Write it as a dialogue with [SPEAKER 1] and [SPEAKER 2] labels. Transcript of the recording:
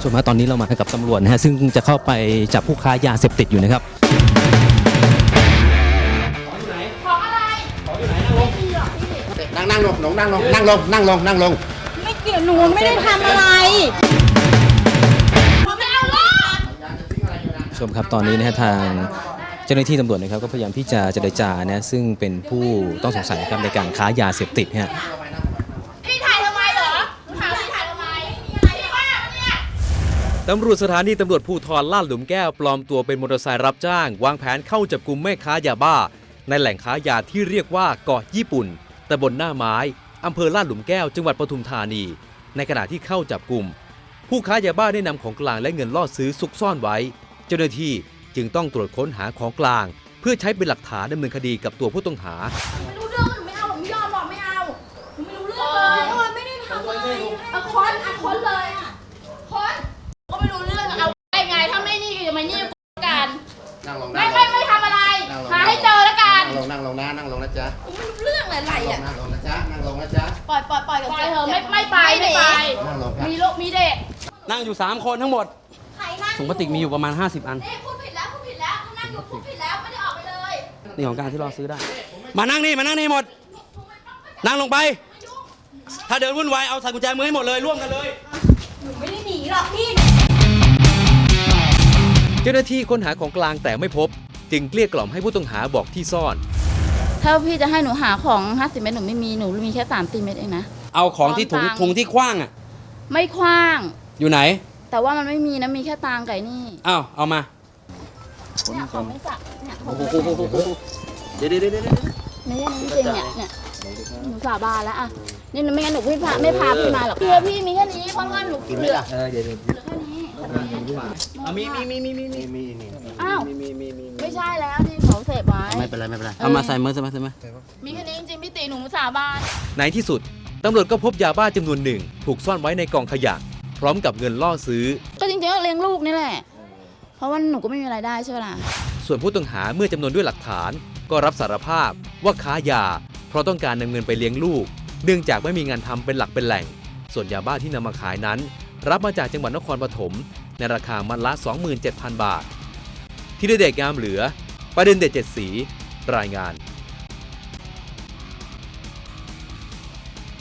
[SPEAKER 1] ส่วนมากตอนนี้เรามากับตำรวจนะฮะซึ่งจะเข้าไปจับผู้ค้ายาเสพติดอยู่นะครับ
[SPEAKER 2] นั่งลง
[SPEAKER 3] ไม่เกี่ยวหนูไม่ได้ทำอะไร
[SPEAKER 1] ชมครับตอนนี้นะฮะทางเจ้าหน้าที่ตำรวจนะครับก็พยายามที่จะเจรจานะซึ่งเป็นผู้ต้องสงสัยครับในการค้ายาเสพติดฮะ
[SPEAKER 3] พี่ถ่ายทำไมเหรอถามพี่ถ่ายทำไมพี่ว่าเนี่ย
[SPEAKER 4] ตำรวจสถานีตำรวจภูธรลาดหลุมแก้วปลอมตัวเป็นมอเตอร์ไซค์รับจ้างวางแผนเข้าจับกุมแม่ค้ายาบ้าในแหล่งค้ายาที่เรียกว่าเกาะญี่ปุ่นตำบลหน้าไม้อำเภอลาดหลุมแก้วจังหวัดปทุมธานีในขณะที่เข้าจับกุมผู้ค้ายาบ้าได้นำของกลางและเงินล่อซื้อซุกซ่อนไว้เจ้าหน้าที่จึงต้องตรวจค้นหาของกลางเพื่อใช้เป็นหลักฐานดำเนินคดีกับตัวผู้ต้องหา
[SPEAKER 3] ไม่รู้เรื่องหนูไม่เอาผมไม่ยอมหรอกไม่เอาหนูไม่รู้เรื่องเลยไม่ได้ทำอะไรค้นเลยค้นก็ไม่รู้เรื่องเอาได้ไงถ้าไม่นี่จะมานี่กันไม่ทำอะไรหาให้เจอแล้วกัน
[SPEAKER 2] นั่งลงนะจ๊ะ
[SPEAKER 3] ไม่รู้เรื่องอะไรอ่ะ
[SPEAKER 2] นั่งลงนะจ๊ะ
[SPEAKER 3] ปล่อยกับเธอไม่ไป
[SPEAKER 2] นั่งลงครับ
[SPEAKER 3] มีลูกมีเด็ก
[SPEAKER 1] นั่งอยู่3คนทั้งหมดถุงพลาสติกมีอยู่ประมาณ50 อัน
[SPEAKER 3] พูดผิดแล้วนั่งอยู่พูดผิดแล้วไม่ได้ออกไปเลย
[SPEAKER 1] นี่ของกลางที่เราซื้อได้มานั่งนี่หมดนั่งลงไปถ้าเดินวุ่นวายเอาใส่กุญแจมือให้หมดเลยร่วมกันเลย
[SPEAKER 3] หนูไม่ได้หนีหรอกพี่
[SPEAKER 4] เจ้าหน้าที่ค้นหาของกลางแต่ไม่พบจึงเกลี้ยกล่อมให้ผู้ต้องหาบอกที่ซ่อน
[SPEAKER 5] ถ้าพี่จะให้หนูหาของ50 เม็ดหนูไม่มีหนูมีแค่3-4 เม็ดเองนะ
[SPEAKER 1] เอาของที่ถุงที่คว้างอ่ะ
[SPEAKER 5] ไม่คว้าง
[SPEAKER 1] อยู่ไหน
[SPEAKER 5] แต่ว่ามันไม่มีนะมีแค่ตางไก่นี่
[SPEAKER 1] เอามา
[SPEAKER 5] เนี่ยของไม่สักเนี่ย
[SPEAKER 1] เดี๋ยว
[SPEAKER 5] เนี่ยจริงเนี่ยหนูสาบานแล้วอ่ะนี่ไม่งั้นหนูไม่พาพี่มาหรอกพี่มีแค่นี้เพราะว่าหนูเหลือ
[SPEAKER 1] เดี๋ยว
[SPEAKER 5] แค่นี้
[SPEAKER 1] มี
[SPEAKER 5] อ้าวไม่ใช่แล้วที่เขาเสพไว้
[SPEAKER 2] ไม่เป็นไร
[SPEAKER 1] เอามาใส่มือ
[SPEAKER 5] มีแค่นี้จริงๆพี่ตีหนูสาบาน
[SPEAKER 4] ในที่สุดตำรวจก็พบยาบ้าจำนวนหนึ่งถูกซ่อนไว้ในกองขยะพร้อมกับเงินล่อซื้อ
[SPEAKER 5] ก็จริงๆก็เลี้ยงลูกนี่แหละเพราะว่าหนูก็ไม่มีรายได้ใช่ไหมล่ะ
[SPEAKER 4] ส่วนผู้ต้องหาเมื่อจำนวนด้วยหลักฐานก็รับสารภาพว่าค้ายาเพราะต้องการนำเงินไปเลี้ยงลูกเนื่องจากไม่มีงานทำเป็นหลักเป็นแหล่งส่วนยาบ้าที่นำมาขายนั้นรับมาจากจังหวัดนครปฐมในราคามัดละ 27,000 บาทที่ได้เด็กงามเหลือประเด็นเด็ด7 สีรายงาน